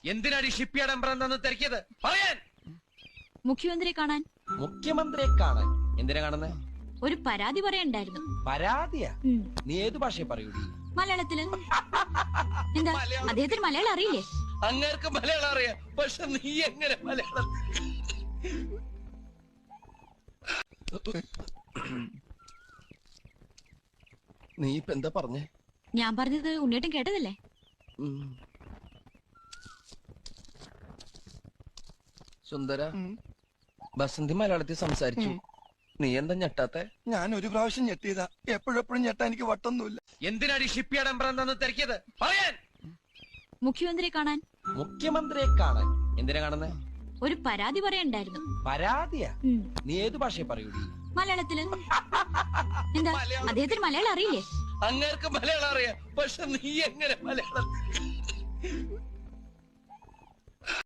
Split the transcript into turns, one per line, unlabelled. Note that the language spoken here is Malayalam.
എന്തിനാണ് ഈ ഷിപ്പ് യാർഡ് എംബ്രന്ന് തിരക്കിയത്? പറയാൻ.
മുഖ്യമന്ത്രിയെ കാണാൻ.
മുഖ്യമന്ത്രിയെ കാണാൻ? എന്തിനാ കാണുന്നേ?
ഒരു പരാതി പറയാനുണ്ടായിരുന്നു.
പരാതിയാ? നീ ഏത് ഭാഷയെ പറയൂടി?
മലയാളത്തില്. എന്താ അദ്ദേഹത്തിന് മലയാളം അറിയില്ലേ?
അങ്ങേർക്ക് മലയാളം അറിയാം, പക്ഷെ നീ എങ്ങനെ മലയാളം? നീ ഇപ്പൊ എന്താ പറഞ്ഞേ?
ഞാൻ പറഞ്ഞത് ഉണ്ണിയേട്ടൻ കേട്ടതല്ലേ?
സുന്ദര, ബസന്തി മലയാളത്തിൽ സംസാരിച്ചു. നീ എന്താ ഞെട്ടാത്തെ?
ഞാൻ ഒരു പ്രാവശ്യം ഞെട്ടിയതാ, എപ്പോഴെപ്പോഴും ഞെട്ടാ എനിക്ക് വട്ടൊന്നുമില്ല.
എന്തിനാണ് ഈ ഷിപ്പ് യാർഡ് എംബ്രന്ന് തിരക്കിയത്? പറയാൻ.
മുഖ്യമന്ത്രിയെ കാണാൻ.
മുഖ്യമന്ത്രിയെ കാണാൻ? എന്തിനാ കാണുന്നേ?
ഒരു പരാതി പറയാനുണ്ടായിരുന്നു.
പരാതിയാ? നീ ഏത് ഭാഷയെ പറയൂടി?
മലയാളത്തില്. എന്താ അദ്ദേഹത്തിന് മലയാളം അറിയില്ലേ?
അങ്ങേർക്ക് മലയാളം അറിയാം, പക്ഷെ നീ എങ്ങനെ മലയാളം?